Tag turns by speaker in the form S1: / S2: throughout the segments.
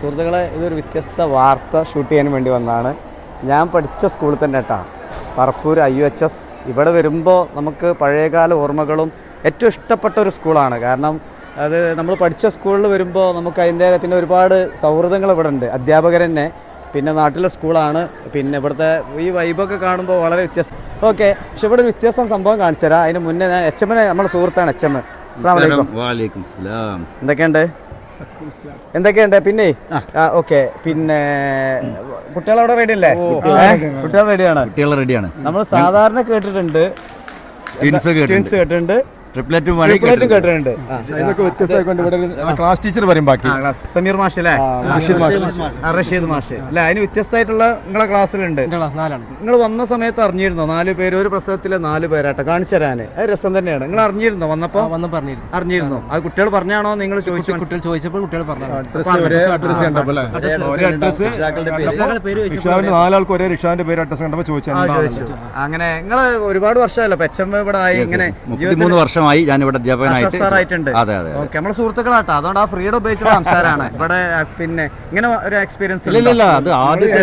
S1: സുഹൃത്തുക്കളെ, ഇതൊരു വ്യത്യസ്ത വാർത്ത ഷൂട്ട് ചെയ്യാൻ വേണ്ടി വന്നതാണ്. ഞാൻ പഠിച്ച സ്കൂളിൽ തന്നെ കേട്ടോ, പറപ്പൂർ IUHS. ഇവിടെ വരുമ്പോൾ നമുക്ക് പഴയകാല ഓർമ്മകളും ഏറ്റവും ഇഷ്ടപ്പെട്ട ഒരു സ്കൂളാണ്. കാരണം അത് നമ്മൾ പഠിച്ച സ്കൂളിൽ വരുമ്പോൾ നമുക്ക് അതിൻ്റെ പിന്നെ ഒരുപാട് സൗഹൃദങ്ങൾ ഇവിടെ ഉണ്ട്. അധ്യാപകർ തന്നെ, പിന്നെ നാട്ടിലെ സ്കൂളാണ്, പിന്നെ ഇവിടുത്തെ ഈ വൈബൊക്കെ കാണുമ്പോൾ വളരെ വ്യത്യസ്തം. ഓക്കെ, പക്ഷെ ഇവിടെ ഒരു വ്യത്യസ്തം സംഭവം കാണിച്ചു തരാം. അതിന് മുന്നേ ഞാൻ HM-നെ, നമ്മുടെ സുഹൃത്താണ് HM. എന്തൊക്കെയുണ്ട്? പിന്നെ ഓക്കെ, പിന്നെ കുട്ടികളവിടെ റെഡി അല്ലേ? കുട്ടികൾ റെഡിയാണ്. നമ്മൾ സാധാരണ കേട്ടിട്ടുണ്ട്, ട്വിൻസ് കേട്ടിട്ടുണ്ട്, ട്രിപ്ലറ്റും കേട്ടിട്ടുണ്ട്.
S2: ക്ലാസ് ടീച്ചർ പറയും ബാക്കി.
S1: സമീർ മാഷ് അല്ലേ? റഷീദ് മാഷ് അല്ലെ? അതിന് വ്യത്യസ്തമായിട്ടുള്ള നിങ്ങളെ ക്ലാസ്സിലുണ്ട്. നിങ്ങൾ വന്ന സമയത്ത് അറിഞ്ഞിരുന്നോ 4 പേര് ഒരു പ്രസവത്തിലെ 4 പേരാട്ടോ? കാണിച്ചു തരാന് അത് രസം തന്നെയാണ്. നിങ്ങൾ അറിഞ്ഞിരുന്നോ? വന്നപ്പോ അറിഞ്ഞിരുന്നു? അത് കുട്ടികൾ പറഞ്ഞാണോ? നിങ്ങൾ ചോദിച്ചപ്പോൾ കുട്ടികൾ പറഞ്ഞു.
S2: 4 ഒരേ റിഷാന്റെ പേര് അഡ്രസ് കണ്ടപ്പോ ചോദിച്ചു.
S1: അങ്ങനെ നിങ്ങൾ ഒരുപാട് വർഷമല്ലോ HM ഇവിടെ ആയി? ഇങ്ങനെ
S3: 3 വർഷമായി ഞാൻ ഇവിടെ അധ്യാപകനായിട്ടുണ്ട്.
S1: അതെ അതെ, ഓക്കെ. നമ്മളെ സുഹൃത്തുക്കളാട്ടോ, അതുകൊണ്ട് ആ ഫ്രീഡം ഉപയോഗിച്ചുള്ള സംസാരമാണ് ഇവിടെ. പിന്നെ ഇങ്ങനെ ഒരു എക്സ്പീരിയൻസ്
S3: ഇല്ല, അത് ആദ്യത്തെ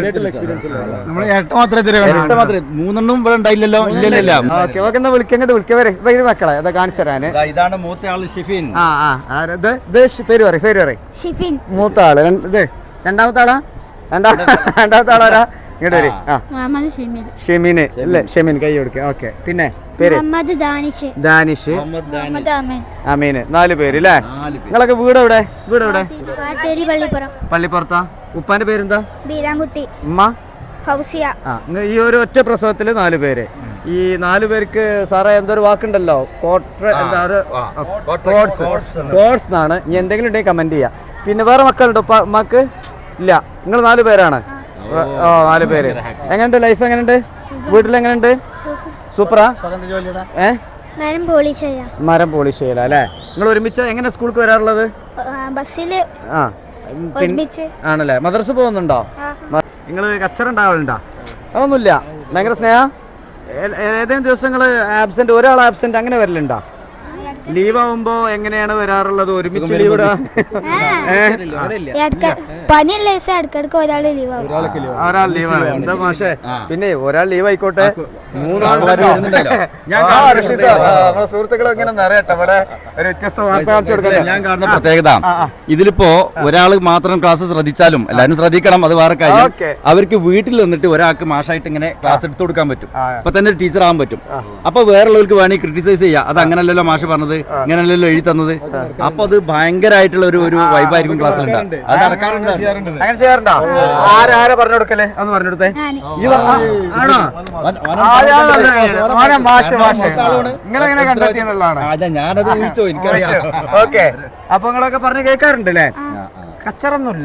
S3: മാത്രമേ 3 ഇവിടെ ഉണ്ടായില്ലല്ലോ. ഇല്ലല്ല.
S1: ഓക്കെ ഓക്കെ, എന്നാ വിളിക്കങ്ങോട്ട് വിളിക്കവരെ മക്കളെ അതാ കാണിച്ചു തരാന്.
S3: ഇതാണ് മൂത്ത ആള് ഷിഫിൻ.
S1: പേര് പറയും
S4: ഷിഫിൻ.
S1: മൂത്ത ആള്. ഇത് രണ്ടാമത്തെ ആളാ? രണ്ടാമത്തെ ആളാരാ? ഇങ്ങോട്ട് വരും. ഷെമീന് അല്ലേ? ഷെമീൻ, കൈ കൊടുക്കുക. ഓക്കെ, പിന്നെ പേര്? ദാനിഷ്, അമീന്. 4 പേര് അല്ലേ? നിങ്ങളൊക്കെ വീട് എവിടെ? പള്ളിപ്പുറത്താ. ഉപ്പാന്റെ പേരെന്താ? ഉമ്മ
S4: ഫൗസിയ.
S1: ഈ ഒരു ഒറ്റ പ്രസവത്തില് 4 പേര്. ഈ 4 പേർക്ക് സാറേ എന്തൊരു വാക്കുണ്ടല്ലോ, കോഴ്സ് എന്നാണ്. ഇനി എന്തെങ്കിലും ഉണ്ടെങ്കിൽ കമന്റ് ചെയ്യാം. പിന്നെ വേറെ മക്കളുണ്ടോ ഉമ്മക്ക്? ഇല്ല, നിങ്ങൾ 4 പേരാണ്. 4 പേര്. എങ്ങനെയുണ്ട് ലൈഫ്? എങ്ങനെയുണ്ട്? വീട്ടിൽ എങ്ങനെയുണ്ട്? സൂപ്പറാ? മരം പോളിഷ് ചെയ്യല അല്ലേ? നിങ്ങൾ ഒരുമിച്ച് എങ്ങനെ സ്കൂൾക്ക് വരാറുള്ളത്?
S4: ബസ്സില്.
S1: ആണല്ലേ? മദ്രസ പോകുന്നുണ്ടോ? നിങ്ങൾ കച്ചറ ഉണ്ടാവലുണ്ടോ? അതൊന്നുമില്ല. ഭയങ്കര സ്നേഹ. ഏതെങ്കിലും ദിവസങ്ങൾ ആബ്സെന്റ്, ഒരാൾ ആബ്സെന്റ് അങ്ങനെ വരലുണ്ടോ? ലീവ് ആവുമ്പോ എങ്ങനെയാണ് വരാറുള്ളത്? ഒരുമിച്ച് ലീവ് ഇടാ? ഒരാൾ ലീവാണ്. എന്താ മാഷേ? പിന്നെ ഒരാൾ ലീവ് ആയിക്കോട്ടെ, 3 ആൾ സുഹൃത്തുക്കൾ ഇങ്ങനെ നിറയട്ടെ. ഇവിടെ ഒരു വ്യത്യസ്ത വാർത്ത കാണിച്ചു കൊടുക്കട്ടെ.
S3: ഞാൻ കാണുന്ന പ്രത്യേകത, ഇതിലിപ്പോ ഒരാൾ മാത്രം ക്ലാസ് ശ്രദ്ധിച്ചാലും എല്ലാവരും ശ്രദ്ധിക്കണം, അത് വേറെ കാര്യം. അവർക്ക് വീട്ടിൽ നിന്നിട്ട് ഒരാൾക്ക് മാഷായിട്ട് ഇങ്ങനെ ക്ലാസ് എടുത്തു കൊടുക്കാൻ പറ്റും. അപ്പൊ തന്നെ ടീച്ചർ ആവാൻ പറ്റും. അപ്പൊ വേറുള്ളവർക്ക് വേണമെങ്കിൽ ക്രിട്ടിസൈസ് ചെയ്യാം. അത് അങ്ങനല്ലല്ലോ മാഷ് പറഞ്ഞത്, ഇങ്ങനല്ലല്ലോ എഴുതി തന്നത്. അപ്പൊ അത് ഭയങ്കരമായിട്ടുള്ള ഒരു വൈബായിരിക്കും ക്ലാസ്സിലുണ്ട്. അത് നടക്കാറുണ്ട്.
S1: അങ്ങനെ ചെയ്യാറുണ്ടോ? ആരാ പറഞ്ഞു കൊടുക്കല്ലേ? ഒന്ന് പറഞ്ഞു കൊടുത്തേ. നിങ്ങളെങ്ങനെ കണ്ടെത്തിയെന്നുള്ളതാണ്.
S3: ഞാനത് ഊഹിച്ചോ, എനിക്കറിയാം.
S1: ഓക്കെ, അപ്പൊ നിങ്ങളൊക്കെ പറഞ്ഞു കേൾക്കാറുണ്ട് അല്ലേ? കച്ചറൊന്നുമില്ല,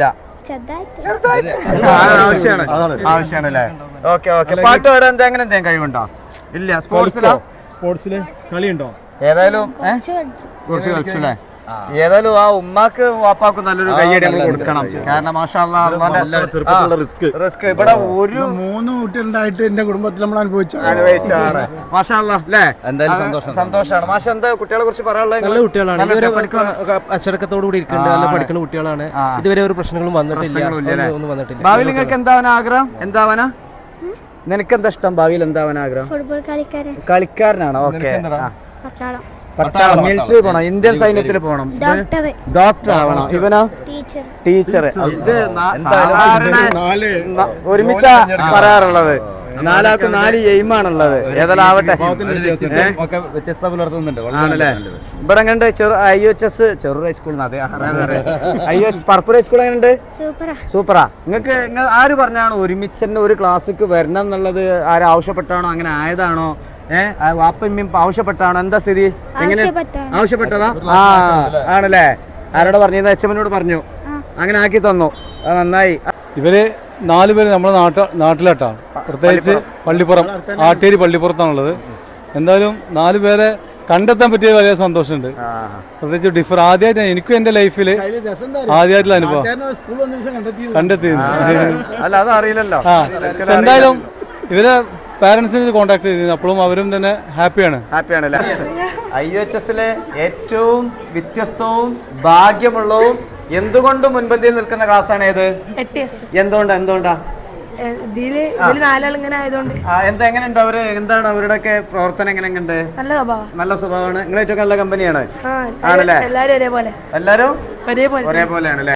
S1: ആവശ്യമാണ് അല്ലേ? Okay okay. പാട്ട് പാടാൻ അങ്ങനെ എന്തെങ്കിലും കഴിവുണ്ടോ? ഇല്ല.
S2: സ്പോർട്സില് കളിയുണ്ടോ?
S1: ഏതായാലും കുറച്ച് കളിച്ചു അല്ലേ? ഏതായാലും ആ ഉമ്മാക്ക് വാപ്പാക്കും നല്ലൊരു കയ്യടി നമ്മൾ കൊടുക്കണം. കാരണം മാഷാ അല്ലാഹ് റിസ്ക് ഇവിടെ ഒരു
S2: 3 കുട്ടികളുണ്ടായിട്ട് എന്റെ കുടുംബത്തിൽ നമ്മൾ
S1: അനുഭവിച്ചാണ്. മാഷാ അല്ലാഹ് അല്ലേ? എന്തായാലും സന്തോഷമാണ്. മാഷ, എന്താ കുട്ടികളെ കുറിച്ച് പറയാനുള്ളത്?
S5: നല്ല കുട്ടികളാണ്, ഇതുവരെ അച്ചടക്കത്തോടു കൂടി ഇരിക്കേണ്ട നല്ല പഠിക്കുന്ന കുട്ടികളാണ്. ഇതുവരെ ഒരു പ്രശ്നങ്ങളും വന്നിട്ടില്ല.
S1: ഭാവിയിൽ നിങ്ങൾക്ക് എന്താവാൻ ആഗ്രഹം? എന്താവാനാ? നിനക്കെന്താ ഇഷ്ടം? ഭാവിയിൽ എന്താവാൻ ആഗ്രഹം?
S4: ഫുട്ബോൾ
S1: കളിക്കാരനാണോ? ഓക്കെ. പട്ടാളം, മിലിറ്ററി പോണം, ഇന്ത്യൻ സൈന്യത്തിൽ പോണം, ഡോക്ടർ ആവണം. ഇവനോ? ടീച്ചർ. ഇത് ഒരുമിച്ച പറയാറുള്ളത്. 4 ആൾക്ക് 4 എയിമാണുള്ളത്. ഏതെല്ലാം ആവട്ടെ.
S3: വ്യത്യസ്തത പുലർത്തുന്നുണ്ട്
S1: ആണല്ലേ? ഇവിടെ എങ്ങനെയുണ്ട്? IUHS ചെറു ഹൈസ്കൂൾ, IUHS പറപ്പൂർ ഹൈസ്കൂൾ എങ്ങനെയുണ്ട്? സൂപ്പറാ. നിങ്ങൾക്ക് ആര് പറഞ്ഞാണ് ഒരുമിച്ച് തന്നെ ഒരു ക്ലാസ്സിക്ക് വരണം എന്നുള്ളത്? ആരും ആവശ്യപ്പെട്ടാണോ? അങ്ങനെ ആയതാണോ? വാപ്പയും ആവശ്യപ്പെട്ടാണോ? എന്താ സ്ഥിതി? എങ്ങനെ ആവശ്യപ്പെട്ടതാ? ആണല്ലേ? ആരോട് പറഞ്ഞു? HM-നോട് പറഞ്ഞു, അങ്ങനെ ആക്കി തന്നു. നന്നായി.
S6: ഇവര് 4 പേര് നമ്മുടെ നാട്ടിലാട്ടാ, പ്രത്യേകിച്ച് പള്ളിപ്പുറം, ആട്ടേരി പള്ളിപ്പുറത്താണുള്ളത്. എന്തായാലും 4 പേരെ കണ്ടെത്താൻ പറ്റിയ വലിയ സന്തോഷമുണ്ട്. പ്രത്യേകിച്ച് ആദ്യമായിട്ടാണ് എനിക്കും എന്റെ ലൈഫിൽ ആദ്യമായിട്ടുള്ള അനുഭവം കണ്ടെത്തിയത്.
S1: അല്ല, അതറിയില്ലല്ലോ.
S6: എന്തായാലും ഇവരെ പാരന്റ്സിനെ കോൺടാക്ട് ചെയ്തിരുന്നു. അപ്പോഴും അവരും തന്നെ ഹാപ്പിയാണ്
S1: അല്ലേ? IUHS ഏറ്റവും വ്യത്യസ്തവും ഭാഗ്യമുള്ളവും എന്തുകൊണ്ട് മുൻപന്തിയിൽ നിൽക്കുന്ന ക്ലാസ് ആണ് ഏത്?
S7: 8S.
S1: എന്തുകൊണ്ടാ
S7: ഇതില് ഇവര് നാലാൾ ഇങ്ങനെ ആയതുകൊണ്ട്
S1: എങ്ങനെയുണ്ട് അവര്? എന്താണ് അവരുടെയൊക്കെ പ്രവർത്തനം? എങ്ങനെയുണ്ട്?
S7: നല്ല സ്വഭാവം.
S1: നല്ല സ്വഭാവമാണ്. നിങ്ങളേറ്റവും നല്ല കമ്പനിയാണ്.
S7: ആ
S1: ആണല്ലേ?
S7: എല്ലാരും ഒരേപോലെ
S1: എല്ലാരും
S7: ഒരേപോലെ
S1: ഒരേപോലെയാണ് അല്ലേ?